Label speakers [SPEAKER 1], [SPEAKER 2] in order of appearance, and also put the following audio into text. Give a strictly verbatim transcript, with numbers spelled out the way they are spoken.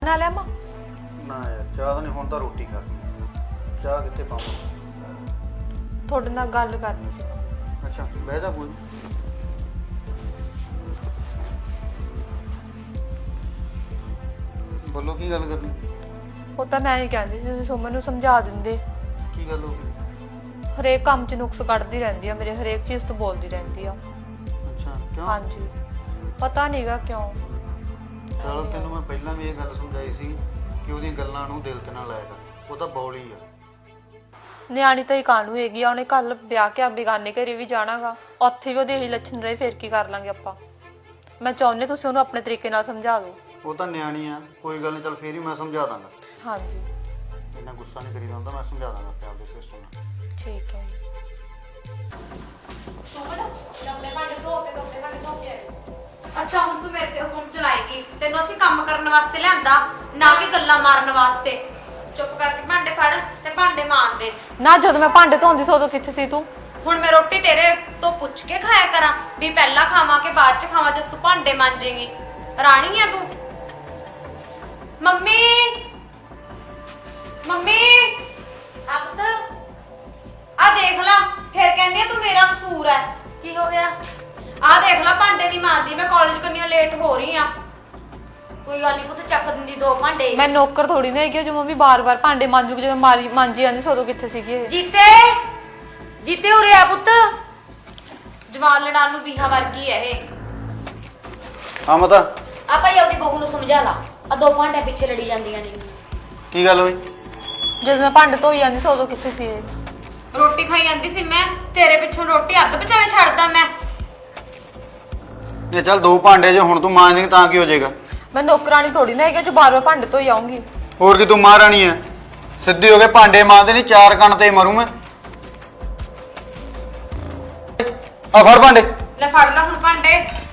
[SPEAKER 1] ना लिया मां
[SPEAKER 2] ना यार चाह तो नहीं हुण तां रोटी खाती चाह कित्थे पावां
[SPEAKER 1] थोड़े नाल गल करनी सी
[SPEAKER 2] अच्छा बह जा कोई बोलो की गल करनी
[SPEAKER 1] ਉਹ ਤਾਂ ਮੈਂ ਹੀ ਕਹਿੰਦੀ ਸੀ ਤੁਸੀਂ ਸੁਮਨ ਨੂੰ ਸਮਝਾ ਦਿੰਦੇ
[SPEAKER 2] की गल हो गई
[SPEAKER 1] ਹਰੇਕ ਕੰਮ 'ਚ ਨੁਕਸ ਕੱਢਦੀ ਰਹਿੰਦੀ ਆ ਮੇਰੇ ਹਰੇਕ ਚੀਜ਼ ਤੋਂ ਬੋਲਦੀ ਰਹਿੰਦੀ ਆ
[SPEAKER 2] अच्छा क्यों
[SPEAKER 1] ਹਾਂਜੀ ਪਤਾ ਨਹੀਂਗਾ ਕਿਉਂ
[SPEAKER 2] चलो तेन मैं पहला भी ये गल समझाई सी कि ਉਹਦੀਆਂ ਗੱਲਾਂ ਨੂੰ ਦਿਲ ਤੇ ਨਾ ਲਾਇਆ ਕਰ ਉਹ ਤਾਂ ਬੌਲੀ ਆ
[SPEAKER 1] ਨਿਆਣੀ ਤਾਂ ਹੀ ਕਾਹਨੂੰ ਹੈਗੀ ਆ ਉਹਨੇ ਕੱਲ ਵਿਆਹ ਕੇ ਆ ਬੇਗਾਨੇ ਘਰੇ ਵੀ ਜਾਣਾਗਾ ਉੱਥੇ ਵੀ ਉਹਦੇ ਇਹੀ ਲੱਛਣ ਰਹੇ ਫਿਰ ਕੀ ਕਰ ਲਾਂਗੇ ਆਪਾਂ ਮੈਂ ਚਾਹੁੰਦੀ ਤੁਸੀਂ ਉਹਨੂੰ ਆਪਣੇ ਤਰੀਕੇ ਨਾਲ ਸਮਝਾ ਦਿਓ
[SPEAKER 2] ਉਹ ਤਾਂ ਨਿਆਣੀ ਆ ਕੋਈ ਗੱਲ ਨਹੀਂ ਚੱਲ ਫੇਰ ਹੀ ਮੈਂ ਸਮਝਾ ਦਾਂਗਾ
[SPEAKER 1] ਹਾਂਜੀ
[SPEAKER 2] ਇੰਨਾ ਗੁੱਸਾ ਨਹੀਂ ਕਰੀਦਾ ਹੁੰਦਾ ਮੈਂ ਸਮਝਾ ਦਾਂਗਾ ਆਪਣੇ ਆਪਦੇ ਸਿਸਟਮ ਨਾਲ
[SPEAKER 1] ਠੀਕ ਹੈ
[SPEAKER 3] ਅੱਛਾ ਹੁਣ ਤੂੰ ਮੇਰੇ ਤੇ ਹੁਕਮ ਚਲਾਏਗੀ ਤੈਨੂੰ ਅਸੀਂ ਕੰਮ ਕਰਨ ਵਾਸਤੇ ਲਿਆਂਦਾ ਨਾ ਕਿ ਗੱਲਾਂ ਮਾਰਨ ਵਾਸਤੇ ਚੁੱਪ ਕਰਕੇ ਭਾਂਡੇ ਫੜ ਤੇ ਭਾਂਡੇ ਮਾਂਜ ਦੇ
[SPEAKER 1] ਨਾ ਜਦੋਂ ਮੈਂ ਭਾਂਡੇ ਧੋਂਦੀ ਸੀ ਉਦੋਂ ਕਿੱਥੇ ਸੀ ਤੂੰ
[SPEAKER 3] ਹੁਣ ਮੈਂ ਰੋਟੀ ਤੇਰੇ ਤੋਂ ਪੁੱਛ ਕੇ ਖਾਇਆ ਕਰਾਂ ਵੀ ਪਹਿਲਾਂ ਖਾਵਾਂ ਕਿ ਬਾਅਦ ਚ ਖਾਵਾਂ ਜਦ ਤੂੰ ਭਾਂਡੇ ਮਾਂਜੇਂਗੀ ਰਾਣੀ ਆ ਤੂੰ ਮੰਮੀ ਮੰਮੀ ਆ ਪੁੱਤ ਆ ਦੇਖ ਲਾ ਫਿਰ ਕਹਿੰਦੀ ਆ ਤੂੰ ਮੇਰਾ ਕਸੂਰ ਹੈ ਕੀ ਹੋ ਗਿਆ ਆ ਦੇਖ ਲਾ ਭਾਂਡੇ ਨਹੀਂ ਮਾਂਜਦੀ ਮੈਂ ਕਾਲਜ ਕਰਨੀਓ ਲੇਟ ਹੋ ਰਹੀ ਆ ਕੋਈ ਗੱਲ ਨਹੀਂ ਪੁੱਤ ਚੱਕ ਦਿੰਦੀ ਦੋ ਭਾਂਡੇ
[SPEAKER 1] ਮੈਂ ਨੌਕਰ ਥੋੜੀ ਨਾ ਹੈਗੀ ਜੋ ਮੰਮੀ ਬਾਰ-ਬਾਰ ਭਾਂਡੇ ਮਾਂਜੂਗੀ ਜਦੋਂ ਮਾਰੀ ਮਾਂਜੀ ਜਾਂਦੀ ਸੀ ਉਦੋਂ ਕਿੱਥੇ ਸੀਗੀ ਇਹ
[SPEAKER 3] ਜੀਤੇ ਜੀਤੇ ਉਰੇ ਆ ਪੁੱਤ ਜਵਾਨ ਲੜਾਨ ਨੂੰ ਬੀਹਾ ਵਰਗੀ ਹੈ ਇਹ
[SPEAKER 2] ਹਾਂ ਮਤਾ
[SPEAKER 3] ਆ ਭਾਈ ਆਪਦੀ ਬਹੂ ਨੂੰ ਸਮਝਾ ਲਾ ਆ ਦੋ ਭਾਂਡੇ ਪਿੱਛੇ ਲੜੀ ਜਾਂਦੀਆਂ ਨੇ
[SPEAKER 2] ਕੀ ਗੱਲ ਹੋਈ
[SPEAKER 1] ਜਦੋਂ ਮੈਂ ਭਾਂਡੇ ਧੋਈ ਜਾਂਦੀ ਸੀ ਉਦੋਂ ਕਿੱਥੇ ਸੀ ਇਹ
[SPEAKER 3] ਰੋਟੀ ਖਾਈ ਜਾਂਦੀ ਸੀ ਮੈਂ ਤੇਰੇ ਪਿੱਛੋਂ ਰੋਟੀ ਅੱਧ ਵਿਚਾਲੇ ਛੱਡਦਾ ਮੈਂ
[SPEAKER 2] ਇਹ ਚੱਲ ਦੋ ਭਾਂਡੇ ਜੇ ਹੁਣ ਤੂੰ ਮਾਂਜ ਦੇਂਗੀ ਤਾਂ ਕੀ ਹੋ ਜਾਏਗਾ
[SPEAKER 1] ਮੈਂ ਨੌਕਰਾਨੀ ਥੋੜੀ ਨਾ ਹੈਗੀ ਜੋ ਬਾਰ-ਬਾਰ ਭਾਂਡੇ ਧੋਈ ਆਉਂਗੀ
[SPEAKER 2] ਹੋਰ ਕੀ ਤੂੰ ਮਹਾਰਾਣੀ ਐ ਸਿੱਧੀ ਹੋ ਕੇ ਭਾਂਡੇ ਮਾਂਜਦੇ ਨਹੀਂ ਚਾਰ ਕੰਨ ਤੇ ਮਰੂ ਮੈਂ ਆ ਫੜ ਭਾਂਡੇ
[SPEAKER 3] ਲੈ ਫੜ ਲੈ ਹੁਣ ਭਾਂਡੇ